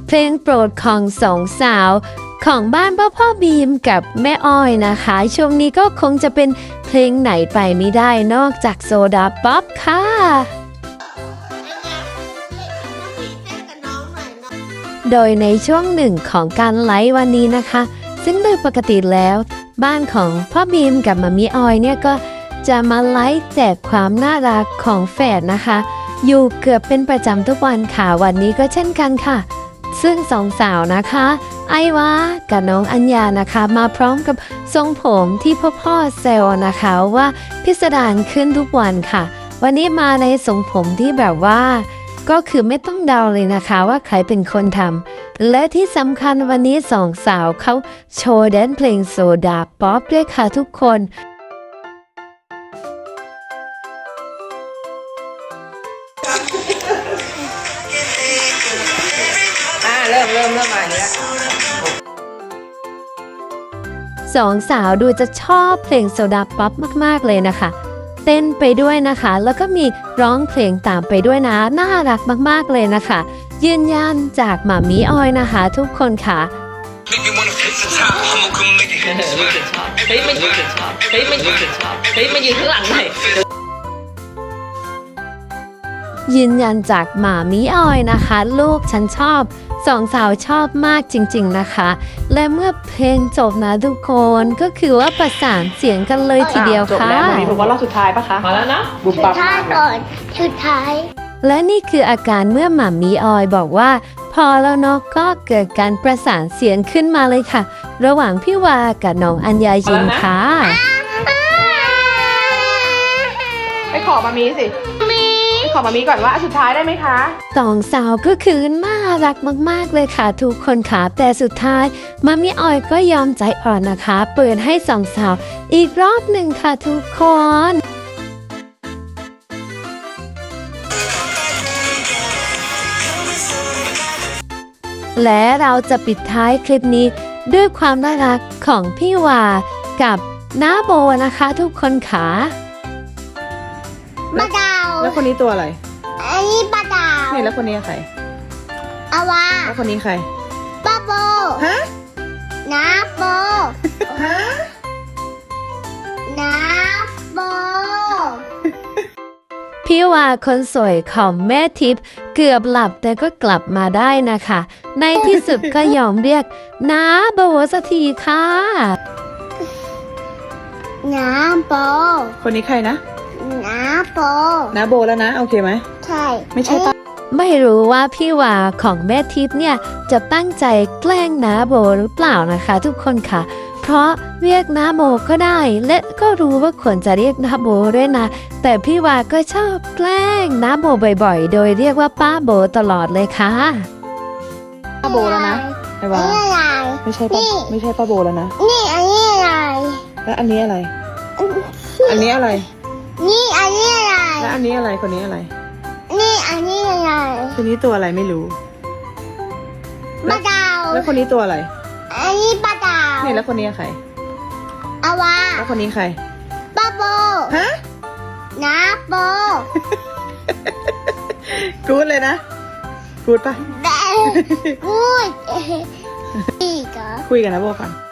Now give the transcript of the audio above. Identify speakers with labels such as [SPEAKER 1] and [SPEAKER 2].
[SPEAKER 1] เพลงโปรดของสองสาวของบ้านพ่อบีมกับแม่อ้อยนะคะช่วงนี้ก็คงจะเป็นเพลงไหนไปไม่ได้นอกจากโซดาป๊อปค่ะโดยในช่วงหนึ่งของการไลฟ์วันนี้นะคะซึ่งโดยปกติแล้วบ้านของพ่อบีมกับมามีออยเนี่ยก็จะมาไลฟ์แจกความน่ารักของแฝดนะคะอยู่เกือบเป็นประจำทุกวันค่ะวันนี้ก็เช่นกันค่ะซึ่งสองสาวนะคะไอวากับน้องอัญญานะคะมาพร้อมกับทรงผมที่พ่อเซลนะคะว่าพิสดารขึ้นทุกวันค่ะวันนี้มาในทรงผมที่แบบว่าก็คือไม่ต้องเดาเลยนะคะว่าใครเป็นคนทำและที่สำคัญวันนี้สองสาวเขาโชว์แดนเพลงโซดาป๊อปด้วยค่ะทุกคน
[SPEAKER 2] เริ่มมาอย่างนี้
[SPEAKER 1] สองสาวดูจะชอบเพลงโซดาป๊อปมากๆเลยนะคะเต้นไปด้วยนะคะแล้วก็มีร้องเพลงตามไปด้วยนะน่ารักมากๆเลยนะคะยืนยันจากหม่ามีออยนะคะทุกคนค่ะ
[SPEAKER 2] เฮ้ยมันยืนข้างหลังหน่อย
[SPEAKER 1] ยืนยันจากหม่ามีออยนะคะลูกฉันชอบสองสาวชอบมากจริงๆนะคะและเมื่อเพลงจบนะทุกคนก็คือว่าประสานเสียงกันเลยทีเดียวค่ะ
[SPEAKER 3] จบแล้วมีบอกว่ารอบสุดท้ายปะคะ
[SPEAKER 2] มาแล้วนะ
[SPEAKER 3] บุบปับมาก
[SPEAKER 4] ก่อนสุดท้าย
[SPEAKER 1] และนี่คืออาการเมื่อหม่ามีออยบอกว่าพอแล้วเนาะก็เกิดการประสานเสียงขึ้นมาเลยค่ะระหว่างพี่วากับน้องอัญญายินค่ะ
[SPEAKER 3] ไปขอมามีสิไปขอมามีก่อนว่าสุดท้ายได้ไหมคะ
[SPEAKER 1] สองสาวก็คือน่ารักมากๆเลยค่ะทุกคนค่ะแต่สุดท้ายมามีออยก็ยอมใจอ่อนนะคะเปิดให้สองสาวอีกรอบหนึ่งค่ะทุกคนและเราจะปิดท้ายคลิปนี้ด้วยความน่ารักของพี่วากับน้าโบนะคะทุกคนค่ะ
[SPEAKER 4] ปลาดาว
[SPEAKER 3] แล้วคนนี้ตัวอะไร
[SPEAKER 4] อันนี้ปลาดาว
[SPEAKER 3] นี่แล้วคนนี้ใคร
[SPEAKER 4] อาวา
[SPEAKER 3] แล้วคนนี้ใคร
[SPEAKER 4] ป้าโบ
[SPEAKER 3] ฮะ
[SPEAKER 4] น้าโบ
[SPEAKER 3] ฮะ
[SPEAKER 4] น้าโบ
[SPEAKER 1] พี่วาคนสวยของแม่ทิพย์เกือบหลับแต่ก็กลับมาได้นะคะในที่สุดก็ยอมเรียกน้าโบสักทีค่ะ
[SPEAKER 4] น้าโบ
[SPEAKER 3] คนนี้ใครนะ
[SPEAKER 4] น้าโบ
[SPEAKER 3] น้าโบแล้วนะโอเคไหม
[SPEAKER 4] ใช่
[SPEAKER 3] ไม่ใช่ปะ
[SPEAKER 1] ไม่รู้ว่าพี่วาของแม่ทิพย์เนี่ยจะตั้งใจแกล้งน้าโบหรือเปล่านะคะทุกคนค่ะเพราะเรียกน้าโบก็ได้และก็รู้ว่าควรจะเรียกน้าโบด้วยนะแต่พี่วาก็ชอบแกล้งน้าโบบ่อยๆโดยเรียกว่าป้าโบตลอดเลยค่ะ
[SPEAKER 3] ป้าโบแล้วนะไอ้วาไม่ใช่ป้าไม่ใช่ป้าโบแล้วนะ
[SPEAKER 4] นี่อันนี้อะไร
[SPEAKER 3] แล้วอันนี้อะไรอันนี้อะไร
[SPEAKER 4] นี่อันนี้อะไร
[SPEAKER 3] แล้วอันนี้อะไรคนนี้อะไร
[SPEAKER 4] นี่อันนี้อะไร
[SPEAKER 3] คนนี้ตัวอะไรไม่รู้
[SPEAKER 4] ปลาดาว
[SPEAKER 3] แล้วคนนี้ตัวอะไร
[SPEAKER 4] อันนี้ปลาดาว
[SPEAKER 3] นี่แล้วคนนี้ใคร
[SPEAKER 4] อาวา
[SPEAKER 3] แล้วคนนี้ใคร
[SPEAKER 4] ป้าโบ
[SPEAKER 3] ฮะ
[SPEAKER 4] น้าโบ
[SPEAKER 3] กูดเลยนะกูดปะ
[SPEAKER 4] กูดอีกเหรอ
[SPEAKER 3] คุยกันนะโบกัน